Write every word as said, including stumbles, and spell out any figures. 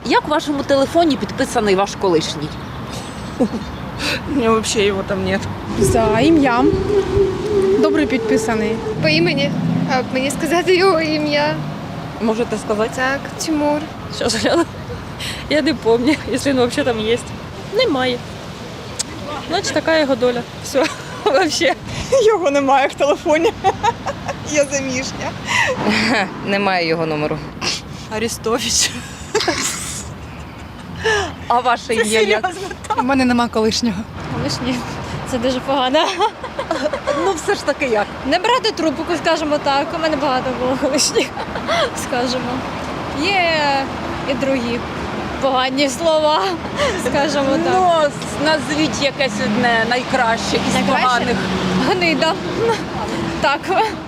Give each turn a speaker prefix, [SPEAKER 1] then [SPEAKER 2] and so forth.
[SPEAKER 1] Як в вашому телефоні підписаний ваш колишній?
[SPEAKER 2] У меня вообще его там нет.
[SPEAKER 3] За ім'ям. Добре підписаний.
[SPEAKER 4] По імені. А мені сказати його ім'я.
[SPEAKER 2] Можете сказать?
[SPEAKER 4] Так, Тимур.
[SPEAKER 2] Сейчас гляну. Я не помню, если он вообще там есть. Немає. Значить, така його доля. Все, вообще.
[SPEAKER 5] Його немає в телефоні. Я заміжня.
[SPEAKER 6] Немає його номеру.
[SPEAKER 2] Арестович.
[SPEAKER 1] А ваше ім'я як?
[SPEAKER 3] У мене нема колишнього.
[SPEAKER 7] Колишні. Це дуже погано.
[SPEAKER 1] Ну все ж таки як?
[SPEAKER 7] Не брати трубку, скажімо так. У мене багато було колишніх, скажімо. Є і другі погані слова, скажімо так.
[SPEAKER 1] Ну, с- назвіть якесь одне найкраще із
[SPEAKER 7] Найкраще?
[SPEAKER 1] поганих.
[SPEAKER 7] Гнида. Так.